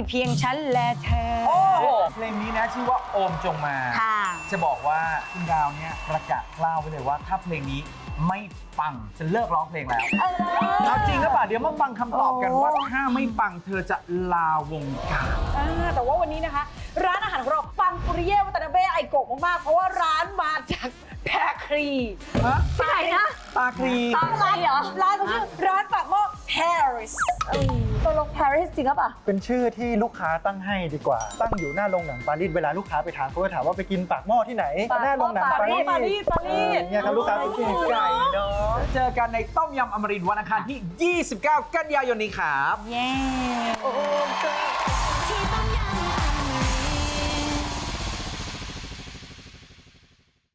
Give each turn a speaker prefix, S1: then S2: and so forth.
S1: เพียงฉันและเธอ
S2: โอ้โหเพลงนี้นะชื่อว่าโอมจงมา
S1: ค่ะ
S2: จะบอกว่าคุณดาวเนี่ยประกาศกล้าวไว้เลยว่าถ้าเพลงนี้ไม่ปังจะเลิกร้องเพลงแล้วเอาจริงหรือเปล่าเดี๋ยวมาฟังคำตอบกันว่าถ้าไม่ปังเธอจะลาวงการ
S3: แต่ว่าวันนี้นะคะ ร้านอาหารของเราปังปุริเย่วัตนาเบ้ไอโกะมากๆเพราะว่าร้านมาจากแพรครี
S1: ที่ไหนนะ
S2: ตาครี
S1: ตามร้านเหรอ
S3: ร้านเขาชื่อร้านปากหม้อ Paris ตกลง Paris จริงหรือเปล่า
S4: เป็นชื่อที่ลูกค้าตั้งให้ดีกว่า ตั้งอยู่หน้าโรงหนังปารีสเวลาลูกค้าไปทานเขาจะถามว่าไปกินปากหม้อที่ไหน หน้าโรงหนังปารีส
S3: ปารีส
S4: เนี่ยครับลูกค้าไปกิน
S2: ไก่เนาะเจอกันในต้มยำอมรินทร์วันอังคารที่ 29 กันยายนนี้ครับ
S1: เย้